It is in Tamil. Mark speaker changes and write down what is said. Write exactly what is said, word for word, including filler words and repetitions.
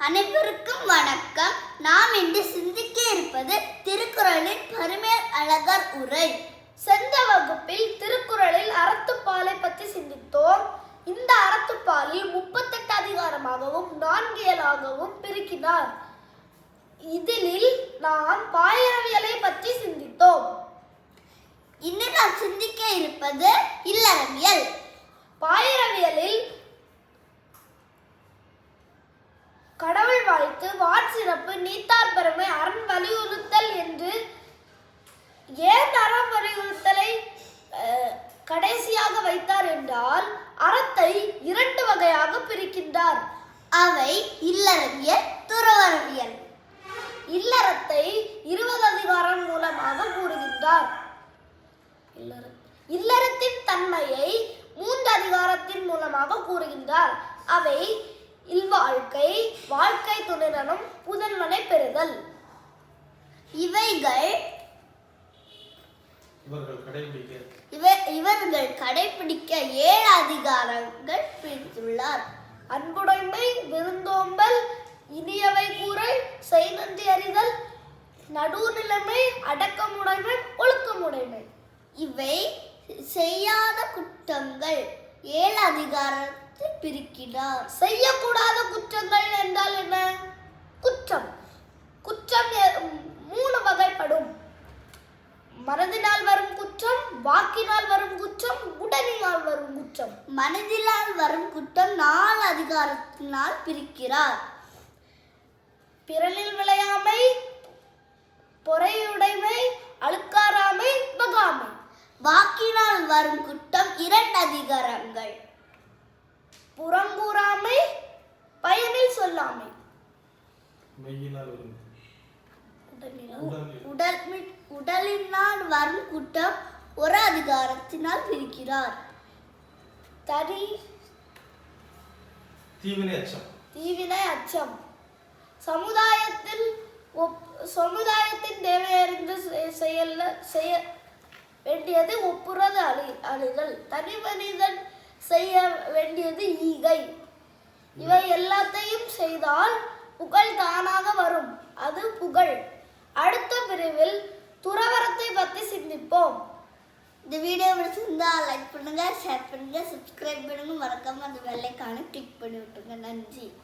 Speaker 1: அனைவருக்கும் வணக்கம். நாம் இன்று சிந்திக்க இருப்பது திருக்குறளின் பரிமேல் அழகர் உரை.
Speaker 2: சென்ற வகுப்பில் திருக்குறளில் அறத்துப்பாலை பற்றி சிந்தித்தோம். இந்த அறத்துப்பாலில் முப்பத்தெட்டு அதிகாரமாகவும் நான்கு இயலாகவும் பிரிக்கினார். இதில் நாம் பாயிரவியலை பற்றி சிந்தித்தோம்.
Speaker 1: இன்று நாம் சிந்திக்க இருப்பது இல்லறவியல்.
Speaker 2: பாயிரவியலில் கடவுள் வாழ்த்து, வாட்சிறப்பு, நீத்தார் பெருமை, அரண் வலியுறுத்தல் என்று ஏன் அறம் வலியுறுத்தலை கடைசியாக வைத்தார் என்றால் அறத்தை இரண்டு வகையாக பிரிக்கின்றார்.
Speaker 1: அவை இல்லறவியல், துறவரவியல்.
Speaker 2: இல்லறத்தை இருபது அதிகாரம் மூலமாக கூறுகின்றார். இல்லறத்தின் தன்மையை மூன்று அதிகாரத்தின் மூலமாக கூறுகின்றார். அவை இல்வாழ்க்கை, வாழ்க்கை துணைநலம், புதன்மனை பெறுதல்.
Speaker 1: இவைகள் இவர்கள் கடைபிடிக்க ஏழு அதிகாரங்கள் பிரித்துள்ளார்.
Speaker 2: அன்புடைமை, விருந்தோம்பல், இனியவை கூறல், செய் நன்றி அறிதல், நடுநிலைமை, அடக்கமுடைமை, ஒழுக்கமுடைமை.
Speaker 1: இவை செய்யாத குற்றங்கள் ஏழு அதிகாரத்தை பிரிக்கிறார்.
Speaker 2: செய்யக்கூடாத குற்றங்கள் என்றால் என்ன? குற்றம் குற்றம் மூணு வகைப்படும். மனதினால் வரும் குற்றம், வாக்கினால் வரும் குற்றம், உடலினால் வரும் குற்றம்.
Speaker 1: மனதினால் வரும் குற்றம் நாலு அதிகாரத்தினால் பிரிக்கிறார்.
Speaker 2: பிறனில் விளையாமை, பொறையுடைமை, அழுக்காராமை, பகாமை.
Speaker 1: வாக்கினால் வரும் குற்றம் இரண்டு அதிகாரங்கள்.
Speaker 2: புறங்கூறாமை, பயனில் சொல்லாமை.
Speaker 1: உடலினால் வரும் குற்றம் ஒரு அதிகாரத்தினால் பிரிக்கிறார்.
Speaker 2: தனி
Speaker 3: தீவினை அச்சம்
Speaker 2: தீவினை அச்சம். சமுதாயத்தில் சமுதாயத்தின் தேவையறிந்து செயல் செய்ய வேண்டியது ஒப்புறது அழி அழிதல். தனி மனிதன் செய்ய வேண்டியது ஈகை. இவை எல்லாத்தையும் செய்தால் புகழ் தானாக வரும். அது புகழ். அடுத்த பிரிவில் துறவரத்தை பற்றி சிந்திப்போம்.
Speaker 1: இந்த வீடியோ பிடிச்சிருந்தா லைக் பண்ணுங்க, ஷேர் பண்ணுங்க, சப்ஸ்கிரைப் பண்ணுங்க, மறக்காம அந்த பெல் ஐகானை கிளிக் பண்ணி விட்டுருங்க. நன்றி.